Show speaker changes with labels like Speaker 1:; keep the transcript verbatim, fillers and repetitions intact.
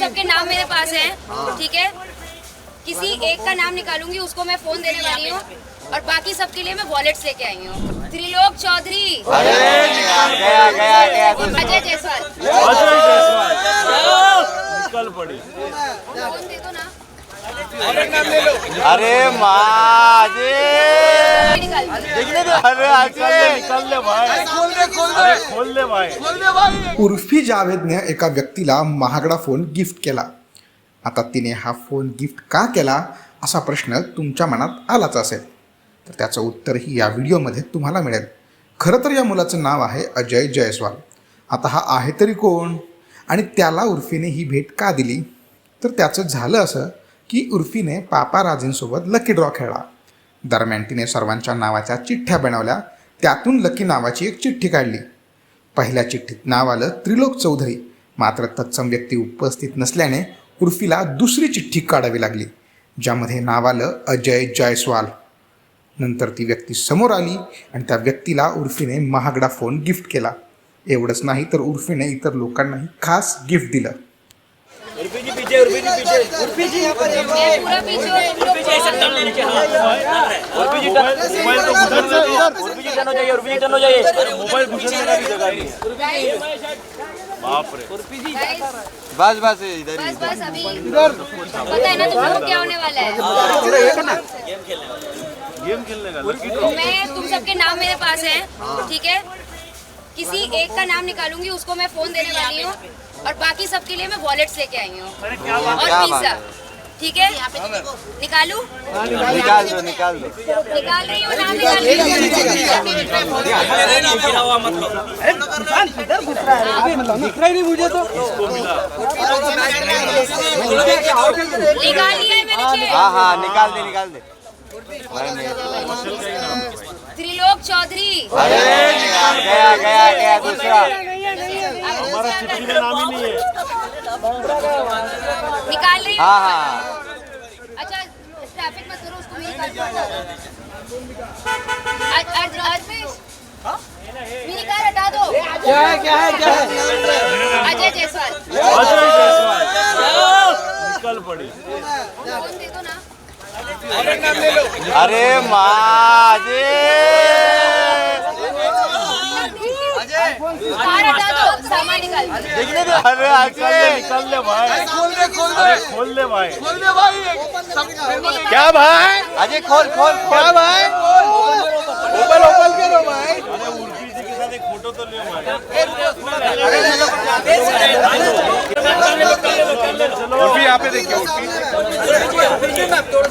Speaker 1: सबके नाम मेरे पास हैं, ठीक है। किसी एक का नाम निकालूंगी, उसको मैं फोन देने वाली हूँ, और बाकी सबके लिए मैं वॉलेट्स लेके आई हूँ। त्रिलोक चौधरी,
Speaker 2: गया गया गया
Speaker 1: अजय जायसवाल,
Speaker 2: अजय जायसवाल निकल पड़ी।
Speaker 1: फोन दे दो ना।
Speaker 2: अरे माँ जी,
Speaker 1: निकाल
Speaker 2: अरे अजय निकल ले भाई, अरे खोल ले भाई।
Speaker 3: उर्फी जावेदने एका व्यक्तीला महागडा फोन गिफ्ट केला. आता तिने हा फोन गिफ्ट का केला असा प्रश्न तुमच्या मनात आलाच असेल, तर त्याचं उत्तरही या व्हिडिओमध्ये तुम्हाला मिळेल. खरं तर या मुलाचं नाव आहे अजय जायसवाल. आता हा आहे तरी कोण आणि त्याला उर्फीने ही भेट का दिली? तर त्याचं झालं असं की उर्फीने पापाराजींसोबत लकी ड्रॉ खेळला. दरम्यान तिने सर्वांच्या नावाच्या चिठ्ठ्या बनवल्या. त्यातून लकी नावाची एक चिठ्ठी काढली. पहिल्या चिठ्ठीत नाव आलं त्रिलोक चौधरी. मात्र तत्सम व्यक्ती उपस्थित नसल्याने उर्फीला दुसरी चिठ्ठी काढावी लागली, ज्यामध्ये नाव आलं अजय जायसवाल. नंतर ती व्यक्ती समोर आली आणि त्या व्यक्तीला उर्फीने महागडा फोन गिफ्ट केला. एवढंच नाही तर उर्फीने इतर लोकांनाही खास गिफ्ट दिलं.
Speaker 1: मैं पूरा पीछे हूँ, तुम लोग
Speaker 2: मोबाइल घुसने का भी जगह नहीं है। बाप रे, बस बस इधर
Speaker 1: बस बस अभी पता है ना तुम लोग क्या होने वाला है।
Speaker 2: गेम खेलने का।
Speaker 1: मैं तुम सबके नाम मेरे पास हैं, ठीक है। किसी एक का नाम निकालूंगी, उसको मैं फोन देने वाली हूँ, और बाकी सबके लिए मैं वॉलेट्स लेके आई हूँ और पिज्जा, ठीक है। निकालू?
Speaker 2: निकाल दो निकाल दो।
Speaker 1: निकाल रही हूँ, नाम निकाल रही हूँ। निकाल लिया है मैंने चेक।
Speaker 2: हाँ हाँ निकाल दे निकाल दे।
Speaker 1: त्रिलोक चौधरी,
Speaker 2: गया गया गया दूसरा।
Speaker 1: हमारा चिट्ठी में नाम ही नहीं है। निकाल रही हूँ।
Speaker 2: हाँ हाँ
Speaker 1: अच्छा ट्रैफिक मत करो, उसको मेरी कार्ड पर मेरी कार हटा दो।
Speaker 2: क्या है क्या है क्या है?
Speaker 1: अजय जायसवाल,
Speaker 2: अजय जायसवाल निकल पड़ी।
Speaker 1: फोन दे दो ना।
Speaker 2: अरे माँ जी,
Speaker 1: कार हटा दो, सामान निकाल।
Speaker 2: अरे अजय निकल ले भाई, अरे खोल ले भाई। क्या भाई? अजय खोल खोल क्या भाई? ओपन ओपन करो भाई। अरे उर्फी जी के साथ एक फोटो तो ले भाई। उर्फी यहाँ पे देखिए, उर्फी